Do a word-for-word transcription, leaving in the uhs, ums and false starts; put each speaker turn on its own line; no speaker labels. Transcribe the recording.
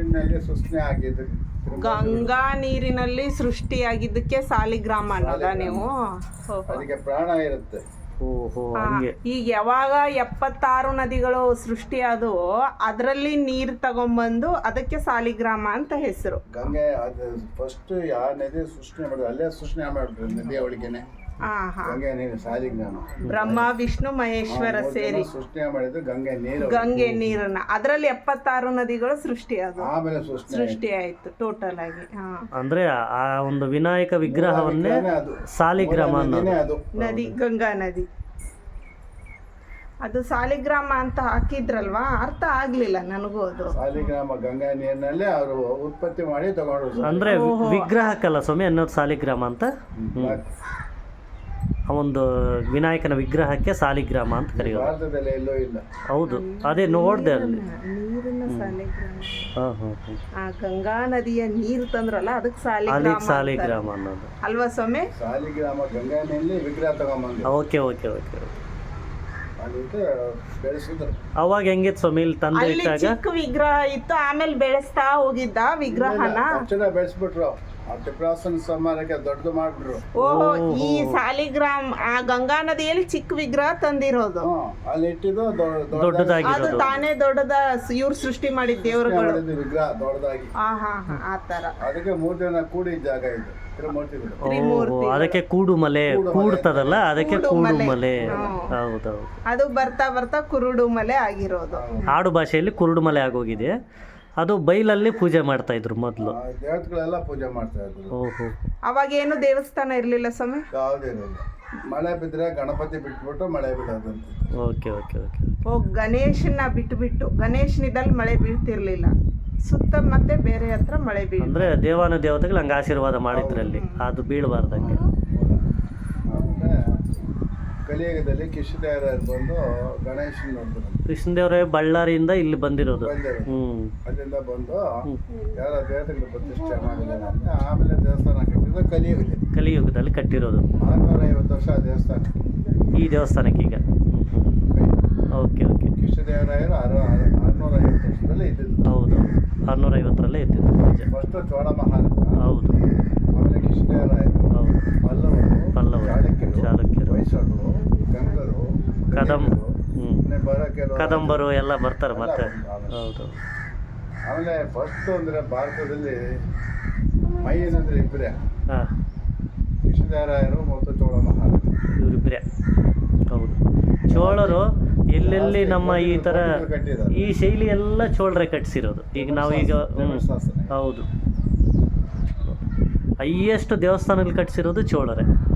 ನೀರಿನಲ್ಲಿ ಸೃಷ್ಟಿ ಆಗಿದ್ದು
ಗಂಗಾ ನೀರಿನಲ್ಲಿ ಸೃಷ್ಟಿಯಾಗಿದ್ದಕ್ಕೆ ಸಾಲಿಗ್ರಾಮ ಅನ್ನೋದ ನೀವು?
ಅದಕ್ಕೆ ಪ್ರಾಣ ಇರುತ್ತೆ.
ಓಹೋ ಹಂಗೆ.
ಈಗ ಯಾವಾಗ ಎಪ್ಪತ್ತಾರು ನದಿಗಳು ಸೃಷ್ಟಿಯಾದವು ಅದರಲ್ಲಿ ನೀರು ತಗೊಂಬಂದು ಅದಕ್ಕೆ ಸಾಲಿಗ್ರಾಮ ಅಂತ ಹೆಸರು.
ಗಂಗೆ ಅದು ಫಸ್ಟ್ ಯಾವ ನದಿ ಸೃಷ್ಟಿ ಮಾಡಿದ್ರು ಅಲ್ಲೇ ಸೃಷ್ಟಿ ಮಾಡಿದ್ರು ನದಿಯ ಒಳಗೇನೆ. ಗಂಗೆ ನೀರು ಸಾಲಿಗ್ರಾಮ.
ಬ್ರಹ್ಮ ವಿಷ್ಣು ಮಹೇಶ್ವರ ಸೇರಿ
ಸೃಷ್ಟಿ ಮಾಡಿದ್ದು ಗಂಗೆ ನೀರು.
ಗಂಗೆ ನೀರನ್ನ ಅದರಲ್ಲಿ ಎಪ್ಪತ್ತಾರು ನದಿಗಳು ಸೃಷ್ಟಿಯಾದವು.
ಆಮೇಲೆ
ಸೃಷ್ಟಿ ಆಯ್ತು ಟೋಟಲ್ ಆಗಿ.
ಅಂದ್ರೆ ಆ ಒಂದು ವಿನಾಯಕ ವಿಗ್ರಹವನ್ನೇ ಸಾಲಿಗ್ರಾಮ ಅನ್ನೋದು.
ನದಿ ಗಂಗಾ ನದಿ. ಅದು ಸಾಲಿಗ್ರಾಮ ಅಂತ ಹಾಕಿದ್ರಲ್ವಾ, ಅರ್ಥ ಆಗ್ಲಿಲ್ಲ ನನಗೂ ಅದು.
ಸಾಲಿಗ್ರಾಮ ಗಂಗಾ ನೀರಿನಲ್ಲೇ ಅವರು ಉತ್ಪತ್ತಿ ಮಾಡಿ ತಗೊಂಡ್ರು.
ಅಂದ್ರೆ ವಿಗ್ರಹಕ್ಕಲ್ಲ ಸ್ವಾಮಿ ಅನ್ನೋದು ಸಾಲಿಗ್ರಾಮ ಅಂತ. ಆ ಒಂದು ವಿನಾಯಕನ ವಿಗ್ರಹಕ್ಕೆ ಸಾಲಿಗ್ರಾಮ ಅಂತ ಕರೆಯೋದು.
ಭಾರತದಲ್ಲಿ ಎಲ್ಲೂ ಇಲ್ಲ.
ಹೌದು, ಅದೇ ನೋಡ್ದೆ ಅಲ್ಲಿ.
ನೀರಿನ ಸಾಲಿಗ್ರಾಮ.
ಹಾಂ ಹಾಂ ಹಾಂ.
ಆ ಗಂಗಾ ನದಿಯ ನೀರು ತಂದ್ರಲ್ಲ ಅದಕ್ಕೆ
ಅಲ್ಲಿ
ಸಾಲಿಗ್ರಾಮ
ಸಾಲಿಗ್ರಾಮ ಅನ್ನೋದು
ಅಲ್ವಾ ಸ್ವಾಮಿ?
ಸಾಲಿಗ್ರಾಮ ಗಂಗಾ ನೀರಿನಲ್ಲಿ ವಿಗ್ರಹ ತಗೊಂಬಂದು.
Okay okay okay.
ಅದಕ್ಕೆ ಬೆಳೆಸಿದ್ರು.
ಅವಾಗ ಹೆಂಗಿತ್ತು ಸ್ವಾಮಿ ಇಲ್ಲಿ ತಂದೆ
ಅಲ್ಲಿ
ಇಟ್ಟಾಗ?
ಚಿಕ್ಕ ವಿಗ್ರಹ ಇತ್ತು, ಆಮೇಲೆ ಬೆಳೆಸ್ತಾ ಹೋಗಿದ್ದ ವಿಗ್ರಹನ.
ತಕ್ಷಣ ಬೆಳೆಸ್ಬಿಟ್ರು. ಆ ಟಿಪ್ರಾಸನ ಸಮಾರಕ್ಕೆ ದೊಡ್ಡದು ಮಾಡ್ಬಿಟ್ರು.
ಓಹೋ, ಈ ಸಾಲಿಗ್ರಾಮ್ ಆ ಗಂಗಾ ನದಿಯಲ್ಲಿ ಚಿಕ್ಕ ವಿಗ್ರಹ ತಂದಿರೋದು.
ಅಲ್ಲಿ ಇಟ್ಟಿದ್ದು
ದೊಡ್ಡದಾಗಿ
ಅದು ತಾನೇ ದೊಡ್ಡದ ಇವ್ರು ಸೃಷ್ಟಿ ಮಾಡಿದ ದೇವರುಗಳು
ವಿಗ್ರಹ ದೊಡ್ಡದಾಗಿ.
ಹಾ ಹಾ ಹಾ ಆ ತರ.
ಅದಕ್ಕೆ ಮೂರ್ ಜನ ಕೂಡಿ ಜಾಗ ಇದು ತ್ರಿಮೂರ್ತಿಗಳು.
ಓಹೋ, ಅದಕ್ಕೆ ಕೂಡು ಮಲೆ ಕೂಡ್ತದಲ್ಲ, ಅದಕ್ಕೆ ಕೂಡು ಮಲೆ. ಹೌದೌದು.
ಅದು ಬರ್ತಾ ಬರ್ತಾ ಕುರುಡು ಮಲೆ ಆಗಿರೋದು.
ಆಡು ಭಾಷೆಯಲ್ಲಿ ಕುರುಡು ಮಲೆ ಆಗೋಗಿದೆ. ಅದು ಬೈಲಲ್ಲಿ ಪೂಜೆ ಮಾಡ್ತಾ ಇದ್ರು ಮೊದಲು.
ದೇವತೆಗಳೆಲ್ಲ ಪೂಜೆ ಮಾಡ್ತಾ ಇದ್ರು.
ಓಹೋ.
ಅವಾಗ ಏನು ದೇವಸ್ಥಾನ ಇರ್ಲಿಲ್ಲ ಸ್ವಾಮಿ?
ಯಾವುದಿರಲಿಲ್ಲ. ಮಳೆ ಬಿದ್ರೆ ಗಣಪತಿ ಬಿಟ್ಬಿಟ್ಟು ಮಳೆ ಬಿಡೋದಂತ.
Okay okay okay.
ಓ, ಗಣೇಶನ ಬಿಟ್ಟು ಬಿಟ್ಟು ಗಣೇಶನಿದಲ್ಲಿ ಮಳೆ ಬೀಳ್ತಿರ್ಲಿಲ್ಲ, ಸುತ್ತ ಮತ್ತೆ ಬೇರೆ ಹತ್ರ ಮಳೆ ಬೀಳ.
ಅಂದ್ರೆ ದೇವಾನ ದೇವತೆಗಳು ಹಂಗೆ ಆಶೀರ್ವಾದ ಮಾಡಿದ್ರಲ್ಲಿ ಅದು ಬೀಳಬಾರ್ದಂಗೆ.
ಆಮೇಲೆ ಕಲಿಯುಗದಲ್ಲಿ ಕೃಷ್ಣದೇವರಾಯರು ಬಂದು ಗಣೇಶನ್ ನೋಡಿದ್ರು.
ಕೃಷ್ಣದೇವರೇ ಬಳ್ಳಾರಿಯಿಂದ ಇಲ್ಲಿ ಬಂದಿರೋದು. ಹ್ಮ್.
ಅಲ್ಲಿಂದ ಬಂದು ಯಾರ ದೇವತೆಗಳು ಪ್ರತಿಷ್ಠೆ ಮಾಡಿದ್ದಾರೆ ಅಂತ ಆಮೇಲೆ ದೇವಸ್ಥಾನ ಕಟ್ಟಿದ್ದು ಕಲಿಯುಗದಲ್ಲಿ.
ಕಲಿಯುಗದಲ್ಲಿ ಕಟ್ಟಿರೋದು.
ಆರ್ನೂರ ಐವತ್ತು ವರ್ಷ ಆ ದೇವಸ್ಥಾನ.
ಈ ದೇವಸ್ಥಾನಕ್ಕೆ ಈಗ. Okay okay.
ಕೃಷ್ಣದೇವರಾಯರು ಆರು ಆರ್ನೂರ ಐವತ್ತು ವರ್ಷದಲ್ಲೇ ಇದ್ದಿದ್ದು.
ಹೌದು, ಆರ್ನೂರ ಐವತ್ತರಲ್ಲೇ ಇದ್ದಿದ್ದು.
ಫಸ್ಟ್ ಚೋಳ ಮಹಾರಾಜ.
ಹೌದು.
ಆಮೇಲೆ ಕೃಷ್ಣದೇವರಾಯರು.
ಹೌದು.
ಪಲ್ಲವರು,
ಪಲ್ಲವರು,
ಚಾಲುಕ್ಯರು,
ಚಾಲುಕ್ಯರು,
ಹೊಯ್ಸಳರು, ಗಂಗರು,
ಕದಂ ಹ್ಮ್
ಬರಕೆರು,
ಕದಂಬರು ಎಲ್ಲ ಬರ್ತಾರೆ ಮತ್ತೆ. ಹೌದು.
ಆಮೇಲೆ ಫಸ್ಟ್ ಅಂದ್ರೆ ಭಾರತದಲ್ಲಿ ಮೈ ಏನಂದ್ರೆ ಇಬ್ಬರೇ,
ಹಾಂ,
ಕೃಷ್ಣದೇವರಾಯರು ಮತ್ತು ಚೋಳ ಮಹಾರಾಜ
ಇವರಿಬ್ಬರೇ. ಹೌದು. ಚೋಳರು ಎಲ್ಲೆಲ್ಲಿ ನಮ್ಮ ಈ ಥರ ಈ ಶೈಲಿ ಎಲ್ಲ ಚೋಳರೇ ಕಟ್ಟಿಸಿರೋದು. ಈಗ ನಾವೀಗ ಹೌದು, ಹೈಯೆಸ್ಟ್ ದೇವಸ್ಥಾನಗಳು ಕಟ್ಟಿಸಿರೋದು ಚೋಳರೇ.